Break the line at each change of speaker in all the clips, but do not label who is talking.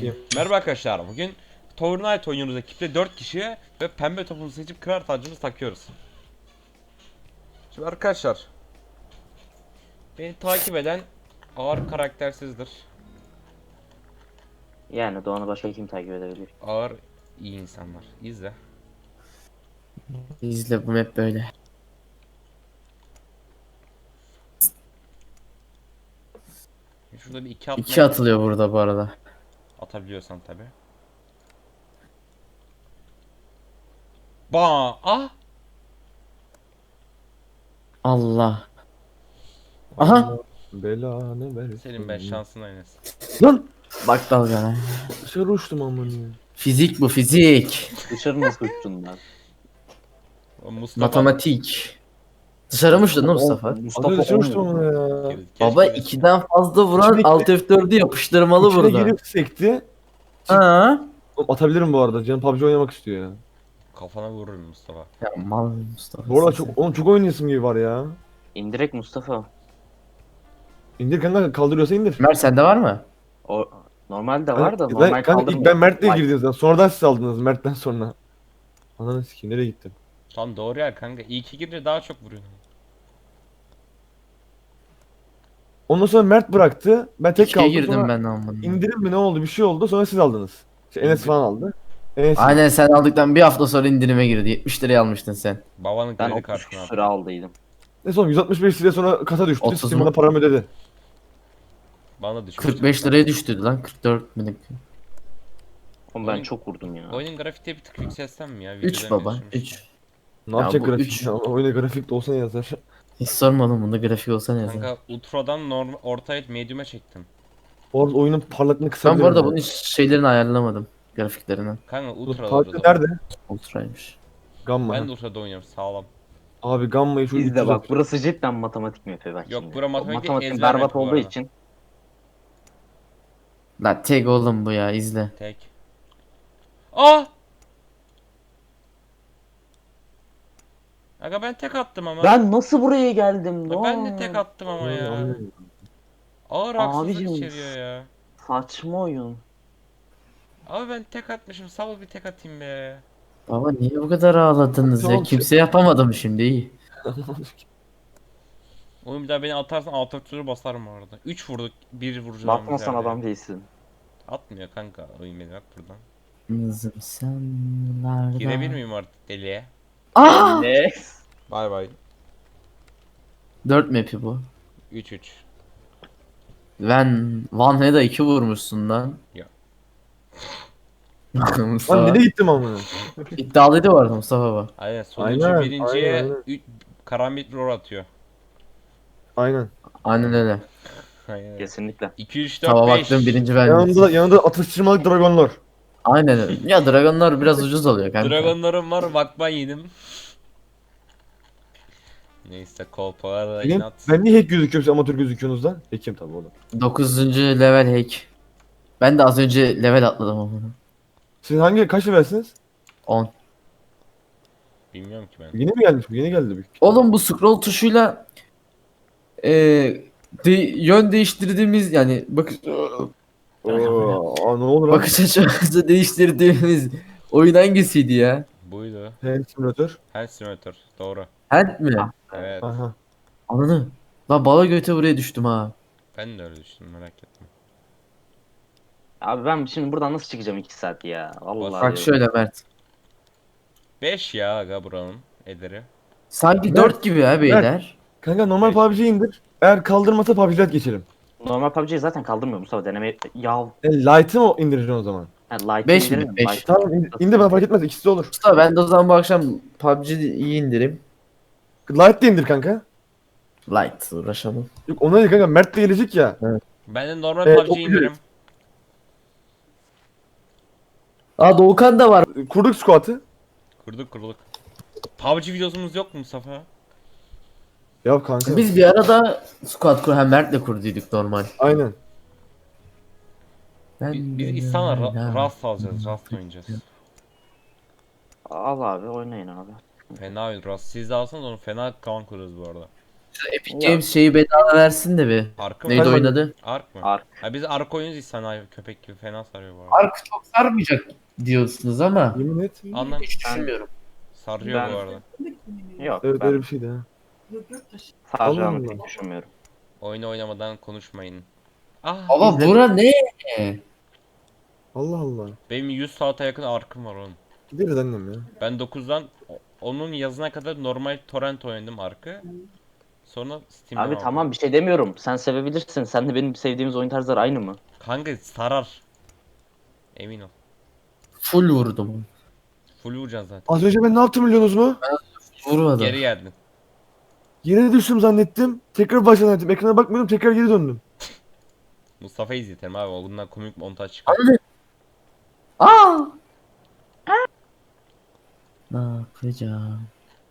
Bakayım.
Merhaba arkadaşlar. Bugün Fortnite oynuyoruz ekiple 4 kişi ve pembe topumuzu seçip kırar tacımızı takıyoruz. Şimdi arkadaşlar, beni takip eden ağır karaktersizdir.
Yani Doğan'ı başka kim takip edebilir?
Ağır iyi insanlar. İzle.
İzle bu map böyle.
Şurada bir iki atma
İki atılıyor burada bu arada.
atabiliyorsan tabi. Ba ah
Allah. Aha.
Belanı versin.
senin ben şansın aynısı.
Lan!
Bak dalgana.
Dışarı uçtum aman ya.
Fizik bu fizik.
Dışarı nasıl uçtun lan?
O Mustafa
Matematik. Dışarı mı uçtun lan Mustafa?
Az dışarı uçtum ama ya.
Baba 2'den fazla vuran
İçine-
Alt F4'ü yapıştırmalı
İçine
burada.
girip sekti.
Ha?
Oğlum atabilirim bu arada. Canım PUBG oynamak istiyor ya.
kafana vururum Mustafa.
Ya mal Mustafa.
Bu arada
sen.
çok oynayasım gibi var ya.
İndirek Mustafa.
İndir kanka, kaldırıyorsa indir.
Mert sende var mı?
O normalde var da
Ben-
normal
kanka, ilk
kaldırmıyor.
ben Mert'le
Vay.
girdim zaten. Sonradan siz aldınız Mert'ten sonra. Ananı sikeyim, nereye gittim?
Tam doğru yer kanka. İyi ki girince daha çok vuruyorsun.
Ondan sonra Mert bıraktı. Ben tek
İkiye
kaldım.
girdim
Sonra
ben amına.
indirim mi ne oldu, bir şey oldu. Sonra siz aldınız. Enes falan aldı. Enes
Aynen sen aldıktan bir hafta sonra indirime girdi. 70 liraya almıştın sen.
Babanın
Ben
kredi
30
kartını al.
küsür aldıydım.
ne son 165 liraya sonra kasa düştü.
30
Steam
mu?
bana paramı ödedi.
Bana düşmüş.
45 liraya düştü lan 44 minik.
Oğlum ben
Oyun-
çok vurdum ya.
Oyunun grafikte bir tık yükselsem mi ya?
3
Videodan
baba
geçirmiş.
3.
Ne
Ya
yapacak
bu
grafik?
üç.
Ya? Oyuna grafik de olsa ne yazar?
Hiç sormadım bunda grafik olsa ne yazar.
Kanka ultradan normal ortaya medium'e çektim.
Orada oyunun parlaklığını
Ben
kısabilirim.
bu arada
ya.
bunun şeylerini ayarlamadım. Grafiklerini.
Kanka
Bu
ultra
parlaklık
alırız ama.
nerede?
Ultraymış.
Gamma.
Ben de ultrada oynuyorum sağlam.
Abi Gamma'yı şu
İzle
300
bak burası cidden matematik mi bak
Yok,
şimdi.
bura matematik değil,
Matematiğin
ezber
berbat
map bu
olduğu
arada.
için.
La tek oğlum bu ya izle.
Tek. Ah! Aga ben tek attım ama.
Ben nasıl buraya geldim
Ya ben de
lan?
tek attım ama ya.
Anlıyorum.
Ağır haksızlık
Abicim.
içeriyor ya.
Saçma oyun.
Abi ben tek atmışım. Sağ ol bir tek atayım be.
Baba niye bu kadar ağladınız ya?
Tamam,
Kimse yapamadım şimdi iyi.
Oğlum bir daha beni atarsan alt ötürü basarım bu arada. 3 vurduk. 1 vuracağım.
Bakmasan adam değilsin.
Atmıyor kanka. Oyun beni bak buradan.
Kızım senlerde.
Girebilir miyim artık deliye?
Aa!
Ne?
Bay bay.
4 map'i bu.
3-3.
Ben Van Head'a 2 vurmuşsun lan.
Ya.
Lan
Mustafa.
nereye gittim ama?
İddialıydı bu arada Mustafa baba.
Aynen sonuncu
Aynen,
birinciye
aynen.
karambit roll atıyor.
Aynen.
Aynen öyle.
Aynen.
Kesinlikle.
2 3 4
Tava
5.
baktım birinci ben.
Yanında atıştırmalık dragonlar.
Aynen öyle. Ya Dragonlar biraz ucuz oluyor kanka.
Dragonlarım var bakma yedim. Neyse kolpalara
Benim,
inat.
ben niye hack gözüküyorum, siz amatör gözüküyorsunuz lan? Hack'im tabii oğlum.
9. level hack. Ben de az önce level atladım ama.
Siz kaç levelsiniz?
10.
Bilmiyorum ki ben.
Yeni mi gelmiş bu? Yeni geldi büyük.
Oğlum bu scroll tuşuyla yön değiştirdiğimiz yani
Aa, ne olur lan?
bakış açımızı değiştirdiğimiz oyun hangisiydi ya?
Buydu.
Hand simülatör.
Hand simulator. Doğru.
Hand mi?
Evet.
Aha.
Ananı. Lan bala göte buraya düştüm ha.
Ben de öyle düşündüm merak etme.
Abi ben şimdi buradan nasıl çıkacağım 2 saat ya? Vallahi
Bak
diyorum.
şöyle Mert.
5 ya aga buranın ederi.
Sanki
Mert,
4 gibi ha beyler.
Kanka normal PUBG'yi indir. Eğer kaldırmasa PUBG Lite geçelim.
Normal PUBG'yi zaten kaldırmıyor Mustafa deneme. Ya
Light'ı mı indireceksin o zaman?
Light'ı
5 mi?
indirelim.
5.
Light-
Tamam indir, bana fark etmez, ikisi de olur.
Mustafa ben de o zaman bu akşam PUBG'yi indireyim.
Light de indir kanka.
Light uğraşamam.
Yok ona değil kanka, Mert de gelecek ya.
Ben de normal
Evet,
PUBG
okuyoruz.
indirim.
Aa Doğukan da var.
Kurduk squat'ı.
Kurduk. PUBG videosumuz yok mu Mustafa?
Ya kanka.
Biz bir arada squad kur hem Mert'le kurduyduk normal.
Aynen.
Biz İhsan'la Rust alacağız. Rust oynayacağız.
Al abi oynayın abi.
Fena oyun Rust. Siz de alsanız onu fena kan kurarız bu arada.
Epic Games şeyi bedava versin de bir.
Arkı
Neydi
mı?
Hadi
oynadı?
Ark mı?
Ark.
Ha biz Ark oyuncuyuz, sen köpek gibi fena sarıyor bu arada.
Ark çok sarmayacak diyorsunuz ama
Yemin et.
Anlam
hiç düşünmüyorum.
sarıyor
Ben-
bu arada.
Yok
Evet
ben
öyle bir şeydi ha.
saracağını
Allah
pek
Allah.
düşünmüyorum.
Oyunu oynamadan konuşmayın. Ah,
Ama
İzledim.
bura ne?
Allah Allah.
benim 100 saate yakın Ark'ım var oğlum.
Gideriz annem ya.
Ben 9'dan onun yazına kadar normal torrent oynadım Ark'ı. Sonra Steam'den
Abi
aldım.
tamam bir şey demiyorum. Sen sevebilirsin. Sen de benim sevdiğimiz oyun tarzları aynı mı?
Kanka sarar. Emin ol.
Full vurdum.
Full vuracaksın zaten.
Az önce ben ne yaptım biliyorsunuz mu?
Vurmadım.
Geri geldin.
Yere düştüm zannettim. Tekrar başa zannettim. Ekrana bakmıyordum. Tekrar geri döndüm.
Mustafa'yı izletelim abi. Bundan komik montaj çıkar.
Abi. Aa! Ne yapacağım?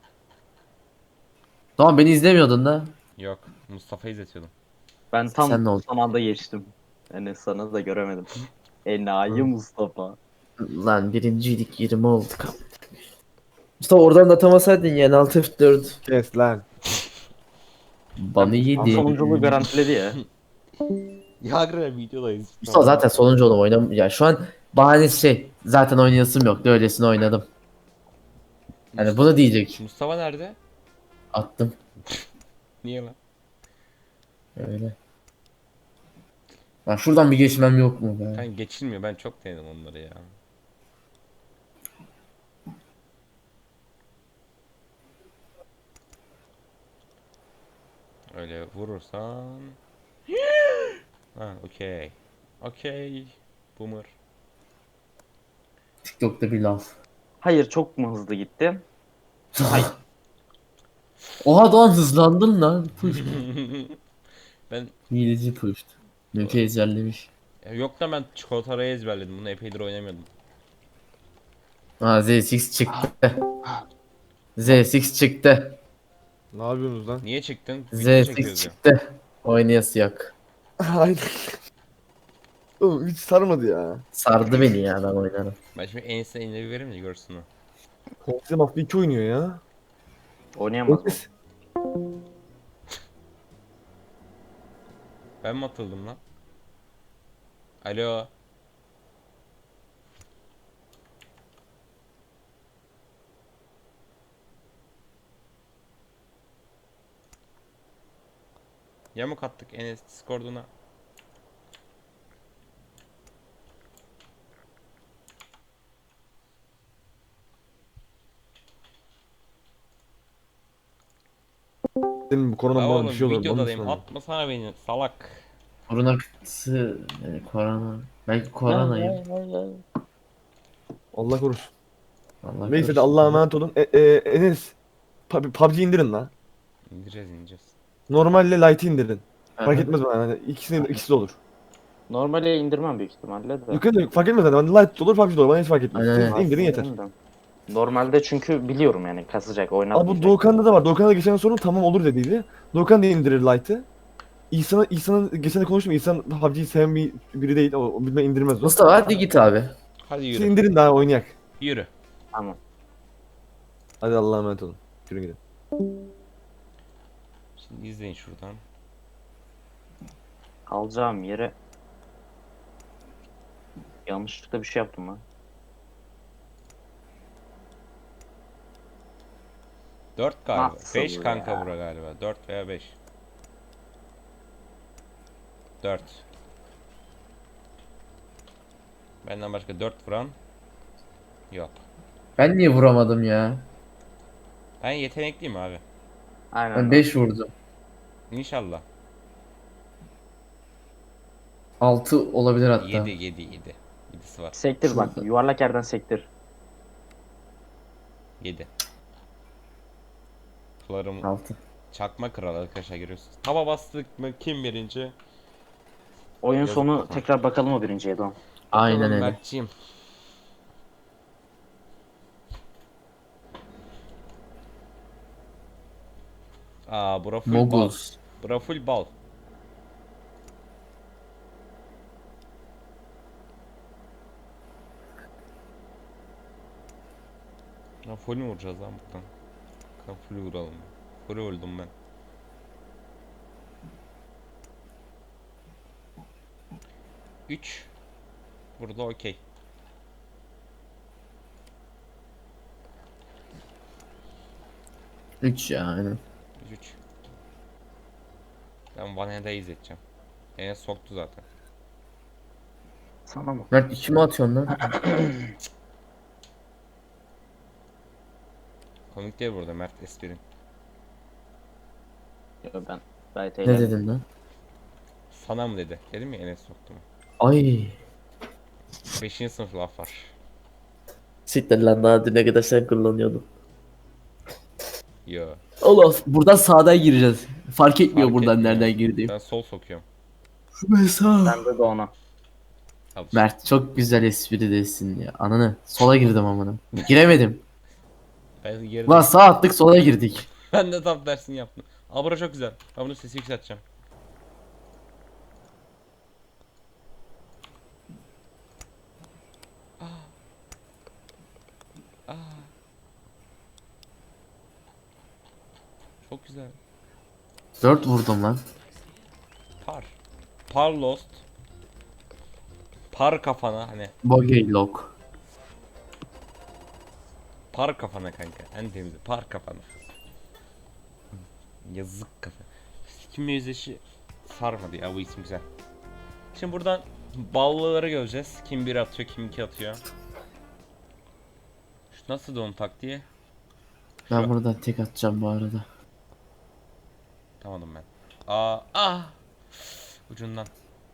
Tamam beni izlemiyordun da.
Yok. Mustafa'yı izletiyordum.
Ben tam
Sen ne oldun?
son anda geçtim. Yani sana da göremedim. Enayi
Hı.
Mustafa.
Lan birinciydik 20 olduk. Mustafa oradan da atamasaydın yani 6 F4.
Kes lan.
Bana yedi.
Sonunculuğu garantiledi ya.
Ya videodayız.
Mustafa zaten sonuncu oldum oynam. Ya şu an bahanesi şey. Zaten oynayasım yoktu öylesine oynadım. Yani bunu diyecek.
Mustafa nerede?
Attım.
Niye lan?
Öyle. Lan şuradan bir geçmem yok mu be?
Kanka geçilmiyor. Ben çok denedim onları ya. Öyle vurursan. Ha, okey. Okey. Boomer.
TikTok'ta bir laf.
Hayır çok mu hızlı gitti?
Oha Doğan hızlandın lan. Push.
Ben
Hileci pushed. Nöke ezberlemiş.
yok da ben çikolatayı ezberledim. Bunu epeydir oynamıyordum.
Ha Z6 çıktı. Z6 çıktı.
Ne yapıyorsunuz lan?
Niye çıktın? Video
Z6
çekiyoruz ya.
çıktı. Oynayası yok.
Aynen. Oğlum hiç sarmadı ya.
Sardı beni ya ben oynarım.
Ben şimdi Enes'e eline bir vereyim de görsün o.
Komple Mafya 2 oynuyor ya.
Oynayamaz mı?
Enes.
Ben mi atıldım lan? Alo. Yamuk attık Enes Discord'una.
Senin bu korona
La
bana
oğlum
bir şey olur.
videodayım, atmasana beni salak.
Korona kıtısı yani korona. Belki koronayım.
Allah korusun.
Allah
Neyse de
korusun.
Allah'a emanet olun. Enes. PUBG indirin lan.
İndireceğiz.
Normalle Lite'ı indirin.
Aha.
Fark etmez bana. Yani ikisi de olur.
Normale indirmem büyük ihtimalle de.
Yukarı fark etmez zaten. Light de olur, PUBG de olur. Bana hiç fark etmez.
Aynen,
Siz
aynen.
indirin yeter.
Normalde çünkü biliyorum yani kasacak
Abi bu
oynatmayacak.
Doğukan'da da var. Doğukan'da geçen sorun tamam olur dediydi. Doğukan da indirir Lite'ı. İhsan'ın geçen de konuştum. İhsan PUBG'yi seven biri değil. O bilmem indirmez o.
Mustafa hadi git abi.
Hadi
Siz
yürü.
indirin daha oynayak.
Yürü.
Tamam.
Hadi Allah'a emanet olun. Yürü gidin.
Şimdi izleyin şuradan.
Alacağım yere yanlışlıkla bir şey yaptım lan.
4 galiba.
Nasıl
5
ya?
kanka bura galiba. 4 veya 5. 4. Benden başka 4 vuran yok.
Ben niye vuramadım ya?
Ben yetenekliyim abi.
Aynen.
Ben 5 vurdum.
İnşallah.
6 olabilir hatta.
7 7 7. 7'si var.
Sektir bak
Şurada.
yuvarlak yerden sektir.
7. Sularım
6.
çakma kral arkadaşlar görüyorsunuz. Tava bastık mı kim birinci?
Oyun
Yazık
sonu
kafam.
tekrar bakalım o birinciye Doğan.
Aynen
Bakalım
öyle.
Mertciğim. Aa bura full bal.
Mogus.
Bura full bal. Ya full mü vuracağız lan buradan? Full vuralım. Full öldüm ben. 3. Burada okey.
3 ya aynen.
3. Ben Vaneda'yı izleteceğim. Enes soktu zaten.
Sana mı?
Mert 2 mi atıyorsun lan?
Komik değil burada Mert esprin.
Yok ben gayet
Ne
eğlendim.
dedin lan?
Sana mı dedi? Dedim ya Enes soktu mu?
Ay.
5. sınıf laf var.
Siktir lan daha düne kadar sen kullanıyordun.
Yo.
Oğlum buradan sağdan gireceğiz. Fark etmiyor
Fark
buradan
etmiyor.
nereden girdiğim.
Ben sol sokuyorum.
Ben sağ.
Bende de ona.
Al işte.
Mert çok güzel espri desin ya. Ananı sola girdim amına. Giremedim.
Ben geride.
Lan sağ attık sola girdik.
Ben de tam dersini yaptım. Aa bura çok güzel. Ben bunun sesi yükselteceğim. Aa. Çok güzel.
4 vurdum lan.
Par. Par lost. Par kafana hani.
Bogey lock.
Par kafana kanka. En temizi. Par kafana. Yazık kafa. Kimle yüzleşi sarmadı ya bu isim güzel. Şimdi buradan ballıları göreceğiz. Kim bir atıyor, kim iki atıyor. Şu nasıl onun taktiği?
Ben
Şu.
buradan tek atacağım bu arada.
Tamam ben. Ah. Ucundan.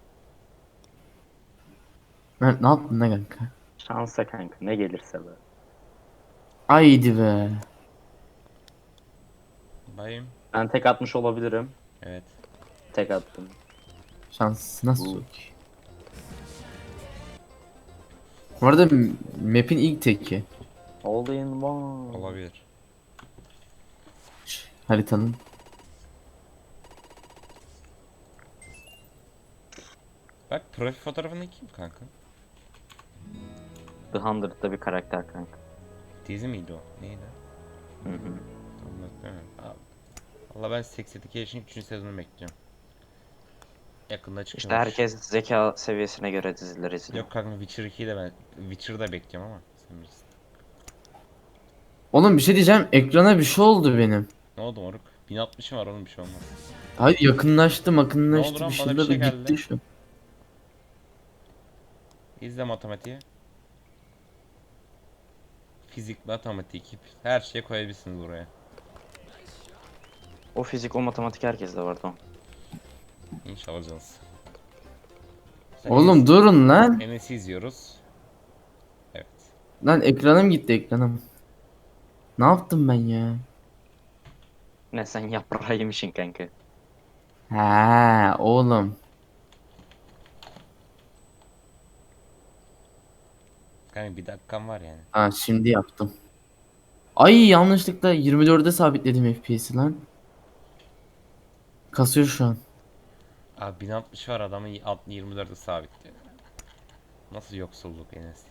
Mert ne yaptın ne kanka?
Şansa kanka ne gelirse be.
Haydi be.
Bayım.
Ben tek atmış olabilirim.
Evet.
Tek attım.
Şans nasıl yok? Bu arada map'in ilk teki.
All in one.
Olabilir.
Haritanın.
Bak profil fotoğrafındaki kim kanka?
The Hundred'da bir karakter kanka.
Dizi miydi o? Neydi?
Hı hı.
Tam hatırlamıyorum. Valla ben Sex Education'ın 3. sezonunu bekleyeceğim. Yakında çıkıyor.
İşte herkes zeka seviyesine göre diziler izliyor.
Yok kanka Witcher 2'yi de ben Witcher'da bekliyorum ama sen bilirsin.
Oğlum bir şey diyeceğim. Ekrana bir şey oldu benim.
Ne oldu moruk? 1060'ım var oğlum bir şey olmaz.
Hayır yakınlaştı
Ne oldu
yakınlaştı
lan?
bir
Bana bir
şeyler
şey
gitti
geldi.
şu.
İzle matematiği. Fizik, matematik, her şeyi koyabilirsiniz buraya.
O fizik o matematik herkeste vardı o.
İnşallah canınız.
Oğlum durun lan.
Enes'i izliyoruz. Evet.
Lan ekranım gitti ekranım. Ne yaptım ben ya?
Ne sen yaprağı yemişsin kanka.
Ha oğlum.
Kanka bir dakikam var yani.
Ha şimdi yaptım. Ay yanlışlıkla 24'e sabitledim FPS'i lan. Kasıyor şu an.
Abi 1060 var adamın 24'e sabitli. Nasıl yoksulluk Enes?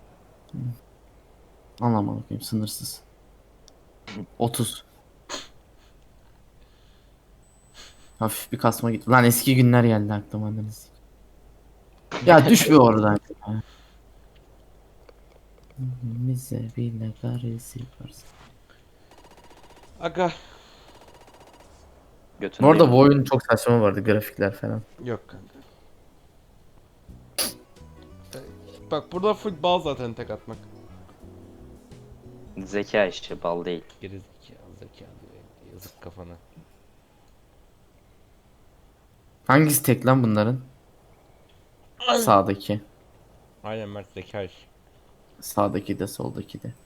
Anlamadım bakayım sınırsız. 30. Hafif bir kasma gitti. Lan eski günler geldi aklıma. Anneniz. Ya düş bir oradan. Ya. Bize bile karesi varsın.
Aga.
Götünü
Bu arada
de-
bu oyun çok saçma vardı grafikler falan.
Yok kanka. Bak burada full bal zaten tek atmak.
Zeka işi bal değil.
Zeka yazık kafana.
Hangisi tek lan bunların? Sağdaki.
Aynen Mert zeka iş.
Sağdaki de soldaki de.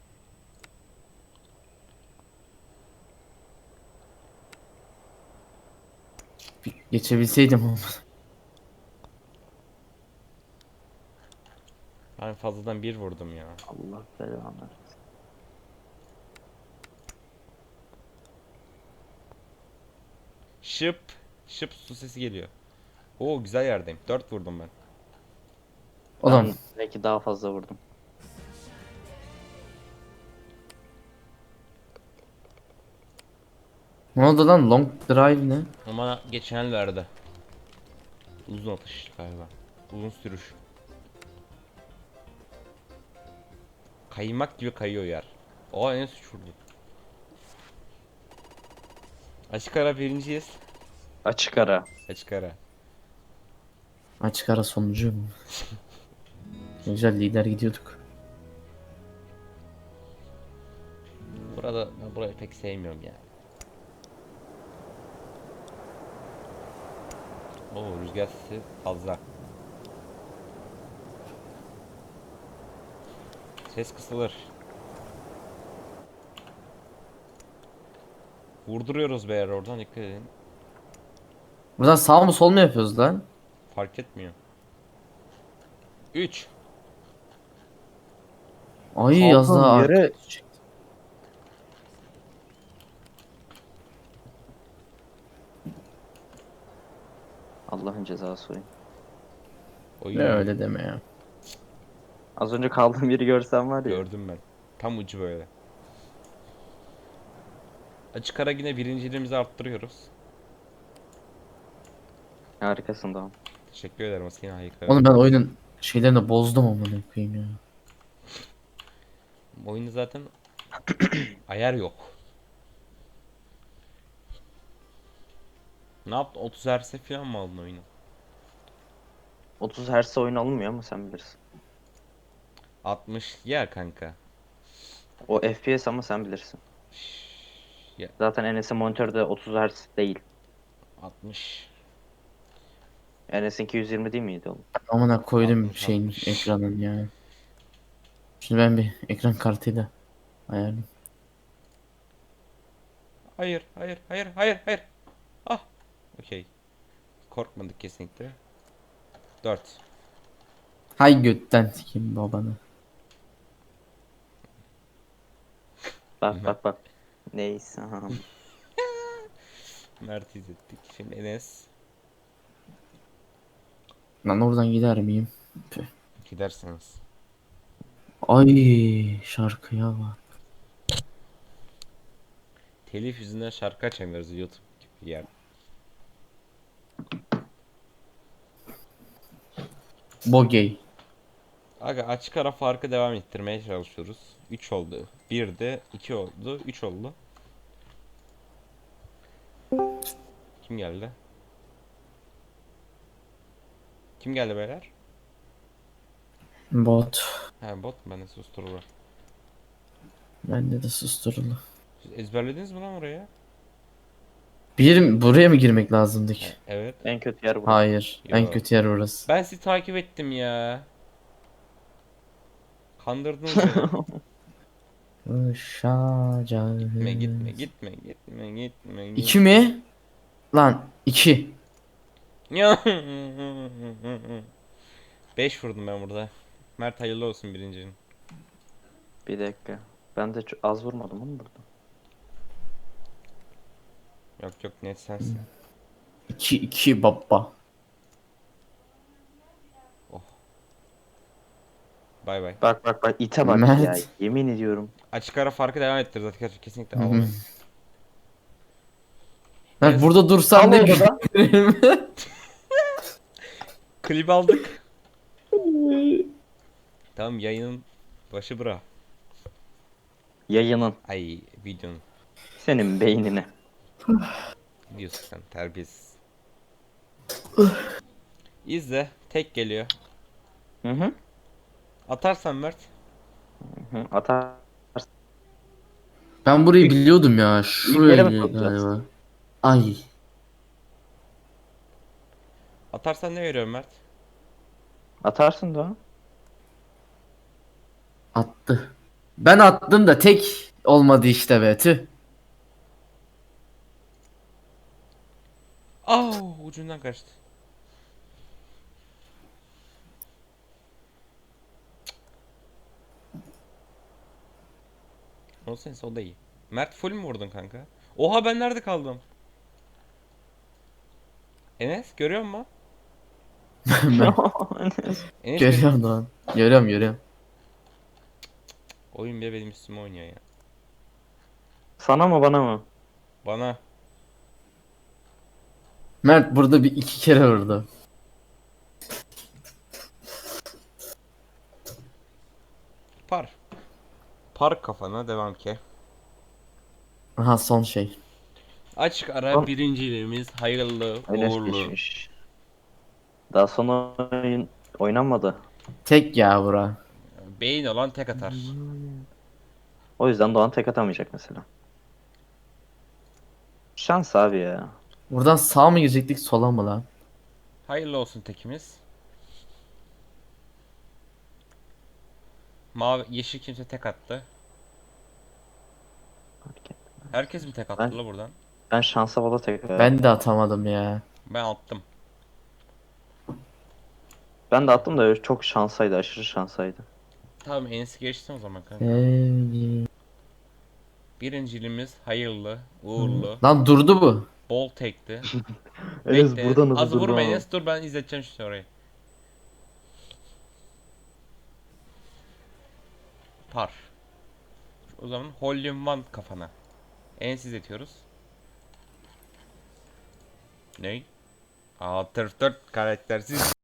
Bir geçebilseydim ama.
Ben fazladan bir vurdum ya.
Allah belanı versin.
Şıp. Şıp su sesi geliyor. Oo güzel yerdeyim. 4 vurdum ben.
Oğlum
Ben belki daha fazla vurdum.
ne oldu lan long drive ne?
Ama geçenlerde. Uzun atış galiba. Uzun sürüş. Kaymak gibi kayıyor yer. Oha en suç vurdu. Açık ara birinciyiz.
Açık ara.
Açık ara.
Açık ara sonucu mu? Güzel lider gidiyorduk.
Burada ben burayı pek sevmiyorum ya. Oo rüzgar sesi fazla. Ses kısılır. Vurduruyoruz beyler oradan dikkat edin.
Buradan sağ mı sol mu yapıyoruz lan?
Fark etmiyor. 3.
Ay az
Kaldığım
daha
yere-
arka.
Allah'ın cezası oyun.
Oyun
Ne
ya.
öyle deme ya.
Az önce kaldığım yeri görsem var ya.
Gördüm ben. Tam ucu böyle. Açık ara yine birinciliğimizi arttırıyoruz.
Harikasın tamam.
Teşekkür ederim Askine harika.
Oğlum ben oyunun şeylerini bozdum amına koyayım ya.
Oyunda zaten ayar yok. Ne yaptın? 30 Hz'e falan mı aldın oyunu?
30 Hz oyun alınmıyor ama sen bilirsin.
60 ya kanka.
O FPS ama sen bilirsin.
Ya
Zaten Enes'in monitörde 30 Hz değil.
60.
Enes'in 220 değil miydi oğlum?
Amına koydum
60,
şeyin
60.
ekranın ya. Şimdi ben bir ekran kartıyla ayarlayayım.
Hayır, hayır, hayır, hayır, hayır. Ah. Okey. Korkmadık kesinlikle. 4.
Hay götten sikeyim babanı.
Bak bak bak. Neyse.
Mert izlettik. Şimdi Enes
Lan oradan gider miyim? Tüh.
gidersiniz.
Ay şarkıya bak.
Telif yüzünden şarkı açamıyoruz YouTube gibi yer.
Bogey.
Aga açık ara farkı devam ettirmeye çalışıyoruz. 3 oldu. 1 de 2 oldu. 3 oldu. Kim geldi? Kim geldi beyler?
Bot.
He bot ben de susturulur.
Bende de susturulu.
Siz ezberlediniz mi lan oraya?
Buraya mı girmek lazımdı ki?
Evet.
En kötü yer burası.
Hayır. En
Yo.
kötü yer burası.
Ben sizi takip ettim ya. Kandırdınız beni.
Uşacağız.
Gitme gitme gitme gitme gitme.
2 mi? Lan 2.
Ya. 5 vurdum ben burada. Mert hayırlı olsun birincinin.
Bir dakika. Ben de az vurmadım ama burada.
Yok yok net sensin.
2 baba.
Bay bay.
Bak bak bak ite bak
Mert.
ya. Yemin ediyorum.
Açık ara farkı devam ettiririz arkadaşlar kesinlikle
Hı hı.
alalım.
Ben burada dursam
Al
ne
orada.
bileyim.
Klip aldık. Tamam yayının başı bura.
Yayının.
Ay videonun.
Senin beynine.
Diyorsun sen terbiyesiz. İzle. Tek geliyor.
Hı hı.
Atarsan Mert.
Hı. Atar.
Ben burayı biliyordum ya.
yere
Şuraya
mi sokacağız?
galiba. Ay.
Atarsan ne veriyorum Mert?
Atarsın da.
Attı. Ben attım da tek olmadı işte be. Tüh.
Ucundan kaçtı. Olsun o da iyi. Mert full mü vurdun kanka? Oha ben nerede kaldım? Enes görüyor musun?
Ben
Enes
görüyorum lan. Görüyorum.
Oyun bile benim üstüme oynuyor ya.
Sana mı bana mı?
Bana.
Mert burada bir 2 kere vurdu.
Par. Par kafana devam ki.
Aha son şey.
Açık ara
Son-
birinciliğimiz hayırlı
Öyle
uğurlu.
geçmiş. Daha sonra oynanmadı.
Tek ya bura.
Beyin olan tek atar.
O yüzden Doğan tek atamayacak mesela. Şans abi ya.
Buradan sağ mı girecektik sola mı lan?
Hayırlı olsun tekimiz. Mavi, yeşil kimse tek attı. Herkes mi tek attı
Ben-
la buradan?
Ben şansa bala tek
Ben de atamadım ya.
Ben attım.
Ben de attım da çok şansaydı. Aşırı şansaydı.
Tamam Enes'i geçtim o zaman kanka. Birinciliğimiz hayırlı, uğurlu,
Lan durdu bu.
bol tekti.
Enes
Bekle.
burada nasıl
Az
durdu
vurma
ama?
Enes, dur ben izleteceğim şimdi orayı. Par. O zaman hole in one kafana. Enes izletiyoruz. Ney? Aa, tırf 4 karaktersiz.